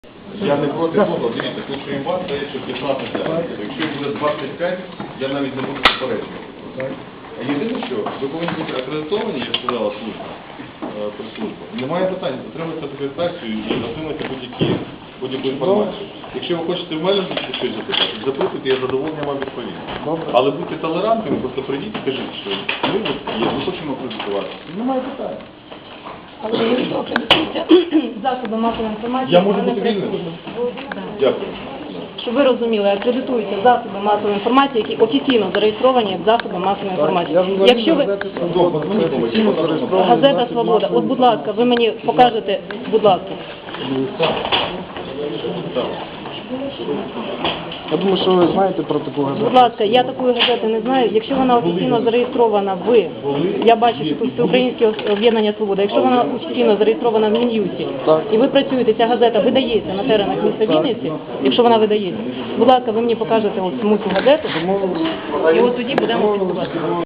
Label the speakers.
Speaker 1: Я не проти того, дивіться, тут крім вас дає ще 15 день. Якщо буде 25, я навіть не буду заперечувати. А єдине, що ви повинні бути акредитовані, як сказала служба, прес-служба. Немає питань, отримати акредитацію і отримати будь-яку інформацію. Якщо ви хочете в мене щось запитати, запитуйте, я задоволення вам відповім. Але будьте толерантними, просто прийдіть і кажіть, що ми є, ми хочемо акредитуватися. Немає питань.
Speaker 2: Але якщо акредитуються засоби масової інформації,
Speaker 1: Я можу
Speaker 2: вони
Speaker 1: бути вільним? Дякую.
Speaker 2: щоб ви розуміли, акредитуються засоби масової інформації, які офіційно зареєстровані як засоби масової інформації. Якщо ви... Газета «Свобода». От, будь ласка, ви мені покажете, будь ласка.
Speaker 3: Я думаю, що ви знаєте про таку газету.
Speaker 2: Будь ласка, я такої газети не знаю. Якщо вона офіційно зареєстрована я бачу, що тут Всеукраїнське об'єднання «Свобода». Якщо вона офіційно зареєстрована в Мін'юсті, і ви працюєте, ця газета видається на теренах міста Вінниці, якщо вона видається, будь ласка, ви мені покажете от саму цю газету, і от тоді будемо спілкуватися.